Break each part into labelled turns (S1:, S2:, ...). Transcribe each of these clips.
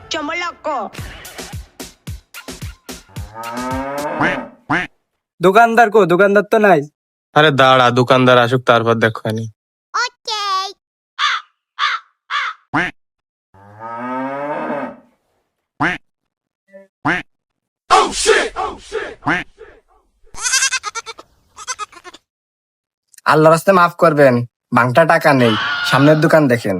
S1: চমলকো।
S2: দোকানদার কো? দোকানদার তো নাই।
S3: আরে দাঁড়া, দোকানদার আসুক তারপর দেখো।
S4: আল্লাহ রাস্তায় মাফ করবেন, বাংটা টাকা নেই, সামনের দোকান দেখেন।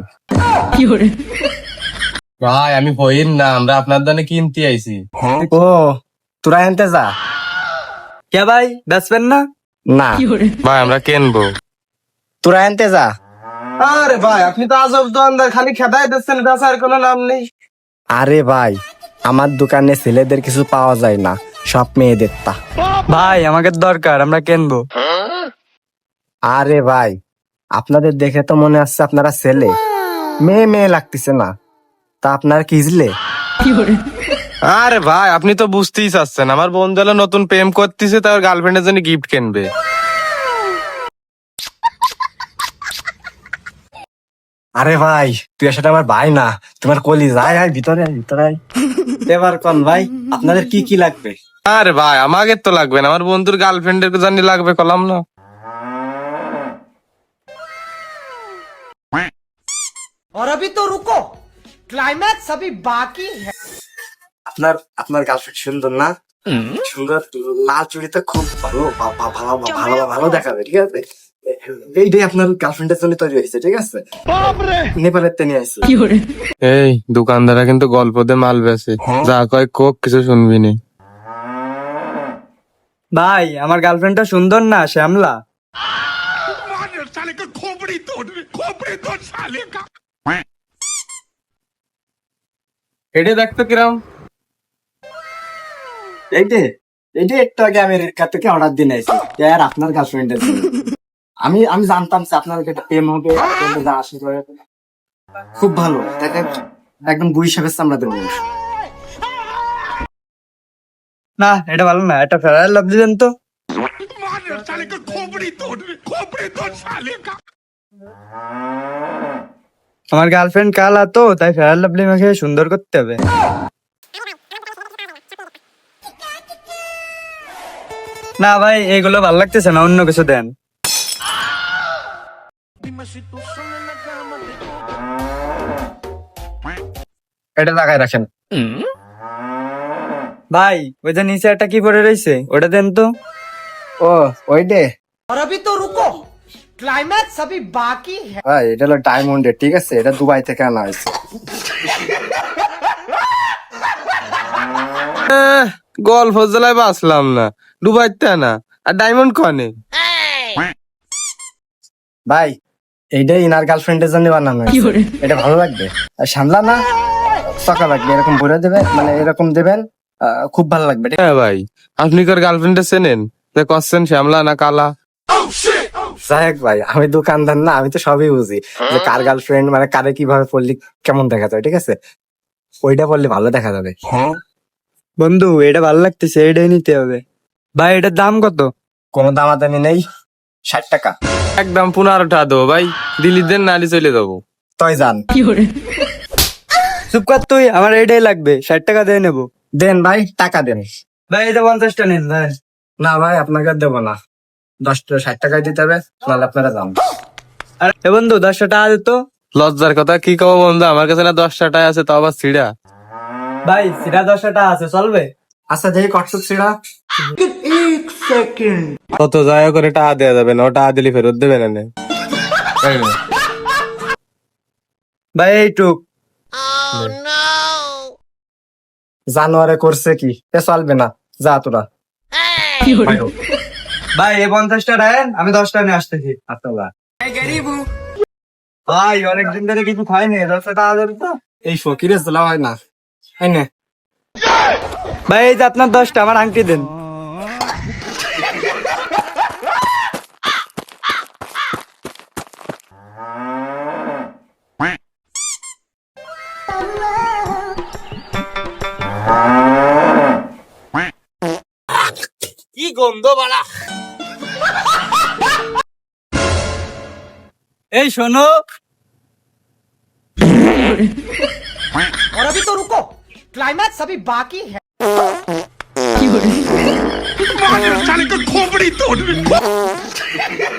S3: ভাই আমি হইন না, আমরা আপনার দানে কিনতে আইছি।
S4: ও তোরা এনতে যা।
S2: কে ভাই, বেচবেন না?
S4: না
S3: ভাই আমরা কিনবো।
S4: তোরা এনতে যা।
S2: আরে ভাই আপনি তো আজব দোকানদার, খালি খেদাই দিচ্ছেন, বেচার কোনো নাম নেই।
S4: আরে ভাই, আমার দোকানে ছেলেদের কিছু পাওয়া যায় না, সব মেয়েদের তা।
S2: ভাই আমাকে দরকার, আমরা কিনবো।
S4: আরে ভাই, আপনাদের দেখে তো মনে হচ্ছে আপনারা ছেলে, মেয়ে মেয়ে লাগতেছে না, তা আপনারা কিজলে?
S3: আরে ভাই আপনি তো বুঝতেই চাচ্ছেন, আমার বন্ধু হলো নতুন প্রেম করতেছে, তার গার্লফ্রেন্ডের জন্য গিফট কিনবে।
S4: আরে ভাই, তুই আসলে আমার ভাই না, তোমার কলি যায়। আয় ভিতরে, আয় ভিতরে আয়। এবার কোন ভাই, আপনাদের কি কি লাগবে?
S3: আরে ভাই আমাকে তো লাগবে না, আমার বন্ধুর গার্লফ্রেন্ডের জন্য লাগবে, কলাম না।
S5: और अभी तो रुको, क्लाइमैक्स अभी बाकी है।
S4: আপনার আপনার গার্লফ্রেন্ড সুন্দর না? সুন্দর, লাল চুড়িতে খুব ভালো ভালো ভালো ভালো দেখাবে, ঠিক আছে? এইটাই আপনার গার্লফ্রেন্ডের জন্য তৈরি হয়েছে, ঠিক আছে? নেপালের তে নিয়ে আসছে।
S3: এই দোকানদারা কিন্তু গল্প দিয়ে মাল বেচে, যা কয় কোক কিছু শুনবি নি।
S2: ভাই আমার গার্লফ্রেন্ডটা সুন্দর না, শ্যামলা।
S3: এটা দেখতো কিরম।
S4: এইটা এইটা একটু আগে আমি রেখা থেকে অর্ডার দিয়ে নিয়েছি, আর আপনার গার্লফ্রেন্ডের জন্য। আমি আমি জানতাম যে আপনার একটা প্রেম হবে, আপনাদের যা আশা করে। খুব ভালো দেখেন, একদম বুই সাপের চামড়া দেবো।
S2: না এটা ভালো না, এটা ফেরার লাভ দিলেন তো। আমার গার্লফ্রেন্ড কালা তো, তাই ফেরার লাভলি মাকে সুন্দর করতে হবে। না ভাই এগুলো ভালো লাগতেছে না, অন্য কিছু দেন।
S4: এটা লাগাই রাখেন।
S2: ভাই ওই যে নিচে একটা কি পড়ে রয়েছে, ওটা দেন তো।
S4: ও ওইটে?
S5: और अभी तो रुको, क्लाइमैक्स अभी बाकी है।
S4: হ্যাঁ, এটা হলো ডায়মন্ডের, ঠিক আছে? এটা দুবাই থেকে আনা হয়েছে।
S3: গল্প জেলায় বাঁচলাম না, ডুবাইতে না। আর ডায়মন্ড কনে?
S4: ভাই এইটাই ইনার গার্লফ্রেন্ডের জন্য বানানো হয়েছে। এটা ভালো লাগবে। আর সামলা না সকা লাগবে, এরকম ভরে দেবে, মানে এরকম দেবেন, খুব ভালো লাগবে।
S3: হ্যাঁ ভাই, আপনি কার গার্লফ্রেন্ডে চেনেন? যে করছেন শ্যামলা না কালা?
S4: যাই ভাই, আমি দোকানদার না, আমি তো সবই বুঝি যে কার গার্লফ্রেন্ড মানে কারে কিভাবে পড়লে কেমন দেখা যায়, ঠিক আছে? ওইটা পড়লে ভালো দেখা যাবে।
S2: বন্ধু এটা ভালো লাগতেছে, এটাই নিতে হবে। ভাই এটার দাম কত?
S4: কোনো দামাদামি নেই, 60 টাকা।
S3: একদম 15 টাকা দেবো ভাই, দিল্লি দেন নালি চলে যাবো।
S4: তই যান।
S2: চুপ কর তুই, আমার এটাই লাগবে, 60 টাকা দিয়ে নেবো।
S4: দেন ভাই, টাকা দেন।
S2: ভাই এটা 50টা নিন ভাই।
S4: না ভাই, আপনাকে দেবো না, 60 টাকায় দিতে হবে, নাহলে আপনারা যান।
S2: আরে এ বন্ধু 10টা টাকা দিত।
S3: লজ্জার কথা কি কব বন্ধু, আমার কাছে না 10 টাকা আছে, তাও আবার ছিড়া।
S2: ভাই সিরা 10টা টাকা আছে, চলবে?
S4: আচ্ছা দেখি কটসুপ ছিড়া।
S3: কত যায় করে টাকা দেওয়া যাবে না, ও টাকা দিলে ফেরত দেবে না নে।
S2: ভাই এইটুক।
S4: জানোয়ারে করছে কি, এ চলবে না, যা তোরা।
S2: ভাই এই 50টা দেন, আমি 10টা নিয়ে আসতেছি।
S4: আপনারা
S2: ভাই অনেকদিন ধরে কিছু খাইনি, 10টা টাকা দেন তো।
S4: এই ফকিরে জেলা হয় না, তাই না?
S2: ভাই এই যে আপনার 10টা, আমার আংটি দেন।
S3: কি গন্ধ বালা।
S2: এই শোনো,
S5: और अभी तो रुको, क्लाइमैक्स अभी बाकी है
S1: साले का खोपड़ी तोड़